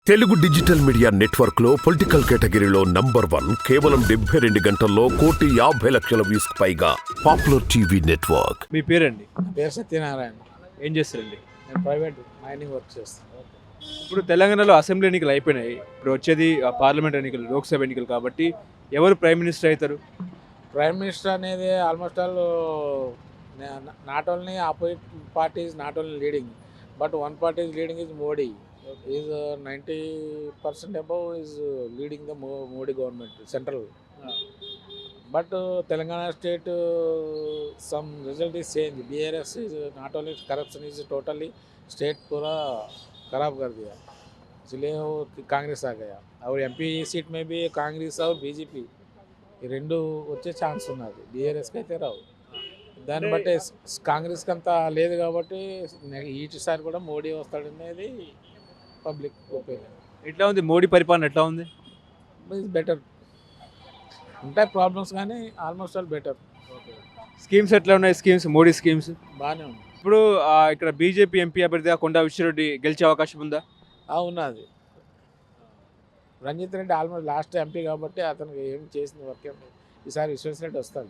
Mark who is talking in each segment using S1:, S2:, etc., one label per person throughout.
S1: Telugu digital media network లో political కేటగిరీలో number 1 కేవలం 72 గంటల్లో 1,50,00,000 వ్యూస్ పైగా పాపులర్ టీవీ నెట్వర్క్.
S2: మీ పేరండి?
S3: పేరు సత్యనారాయణ.
S2: ఏం చేస్తారండి?
S3: నేను ప్రైవేట్ మైనింగ్ వర్క్ చేస్తాను.
S2: ఇప్పుడు తెలంగాణలో అసెంబ్లీ ఎన్నికలు అయిపోయినాయి. ఇప్పుడు వచ్చేది పార్లమెంట్ ఎన్నికలు, లోక్సభ ఎన్నికలు. కాబట్టి ఎవరు ప్రైమ్ మినిస్టర్ అవుతారు?
S3: ప్రైమ్ మినిస్టర్ అనేది almost all not only opposite party is not only leading, but one party is leading is Modi. Is 90% above is leading the Modi government central. But Telangana state some result is change. BRS is not only corruption is totally state पूरा खराब कर दिया, इसलिए वो कांग्रेस आ गया. और MP seat में भी कांग्रेस और बीजेपी ఈ రెండు వచ్చే ఛాన్స్ ఉన్నది. BRSకి అయితే రావు. దాన్ని బట్టి కాంగ్రెస్కి అంత లేదు కాబట్టి ఈసారి కూడా మోడీ వస్తాడనేది పబ్లిక్ ఒపీనియన్.
S2: ఎట్లా ఉంది మోడీ పరిపాలన? ఎట్లా ఉంది?
S3: Is better. ఉంటాయి ప్రాబ్లమ్స్ కానీ ఆల్మోస్ట్ ఆల్ బెటర్.
S2: స్కీమ్స్ ఎట్లా ఉన్నాయి? స్కీమ్స్, మోడీ స్కీమ్స్
S3: బాగానే ఉంది.
S2: ఇప్పుడు ఇక్కడ బీజేపీ ఎంపీ అభ్యర్థిగా కొండా విశ్వరెడ్డి గెలిచే అవకాశం ఉందా?
S3: ఉన్నది. Ranjith Reddy almost last MP కాబట్టి అతనికి ఏం చేసిన వర్క్ ఈసారి విశ్వేశ్వరరెడ్డి వస్తాడు.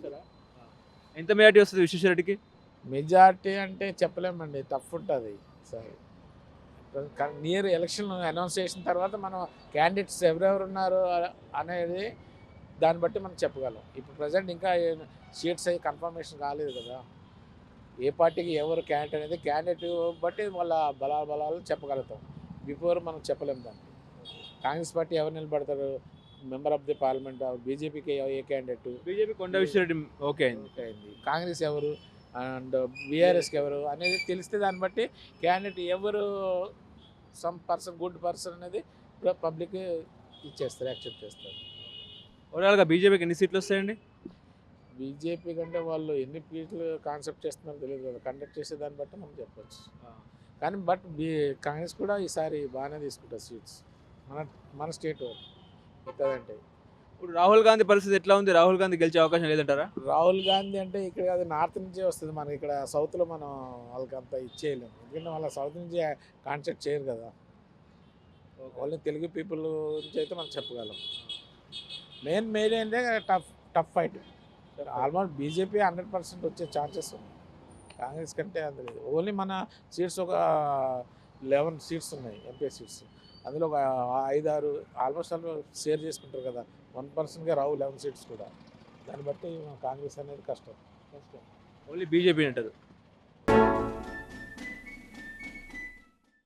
S2: ఎంత మెజార్టీ వస్తుంది విశ్వేశ్వరరెడ్డికి?
S3: మెజార్టీ అంటే చెప్పలేమండి, టఫ్ ఉంటుంది ఈసారి. నియర్ ఎలక్షన్ అనౌన్స్ చేసిన తర్వాత మనం క్యాండిడేట్స్ ఎవరెవరు ఉన్నారు అనేది దాన్ని బట్టి మనం చెప్పగలం. ఇప్పుడు ప్రజెంట్ ఇంకా సీట్స్ అయ్యి కన్ఫర్మేషన్ కాలేదు కదా. ఏ పార్టీకి ఎవరు క్యాండిడేట్ అనేది క్యాండిడేట్ బట్టి వాళ్ళ బలాలు చెప్పగలుగుతాం. బిఫోర్ మనం చెప్పలేము దాన్ని. కాంగ్రెస్ పార్టీ ఎవరు నిలబడతారు మెంబర్ ఆఫ్ ది పార్లమెంట్? బీజేపీకి ఏ candidate?
S2: BJP Konda Vishwareddy okay అయింది.
S3: కాంగ్రెస్ ఎవరు అండ్ BRSకి ఎవరు అనేది తెలిస్తే దాన్ని బట్టి క్యాండిడేట్ ఎవరు సమ్ పర్సన్ గుడ్ పర్సన్ అనేది పబ్లిక్ ఇచ్చేస్తారు, యాక్సెప్ట్ చేస్తారు.
S2: ఓవరాల్గా బీజేపీకి ఎన్ని సీట్లు వస్తాయండి?
S3: బీజేపీ కంటే వాళ్ళు ఎన్ని సీట్లు కాన్సెప్ట్ చేస్తున్నారో తెలియదు కదా. కండక్ట్ చేసే దాన్ని బట్టి మనం చెప్పచ్చు. కానీ బట్ కాంగ్రెస్ కూడా ఈసారి బాగానే తీసుకుంటారు సీట్స్ మన స్టేట్ ఎక్కడంటే.
S2: ఇప్పుడు రాహుల్ గాంధీ పరిస్థితి ఎట్లా ఉంది? రాహుల్ గాంధీ గెలిచే అవకాశం లేదంటారా?
S3: రాహుల్ గాంధీ అంటే ఇక్కడ అది నార్త్ నుంచే వస్తుంది, మనకి ఇక్కడ సౌత్లో మనం వాళ్ళకి అంత ఇచ్చేయలేము. ఎందుకంటే వాళ్ళ సౌత్ నుంచి కాన్సెప్ట్ చేయరు కదా. వాళ్ళని తెలుగు పీపుల్ నుంచి అయితే మనం చెప్పగలం. మెయిన్ అంటే టఫ్ ఫైట్. ఆల్మోస్ట్ బీజేపీ 100% వచ్చే ఛాన్సెస్ ఉన్నాయి. కాంగ్రెస్ కంటే అందులేదు. ఓన్లీ మన సీట్స్ ఒక 11 సీట్స్ ఉన్నాయి, MP సీట్స్. అందులో ఒక 5-6 ఆల్మోస్ట్ షేర్ చేసుకుంటారు కదా. 1%గా రావు 11 సీట్స్ కూడా. దాన్ని బట్టి కాంగ్రెస్ అనేది కష్టం.
S2: ఓన్లీ బీజేపీ అంటారు.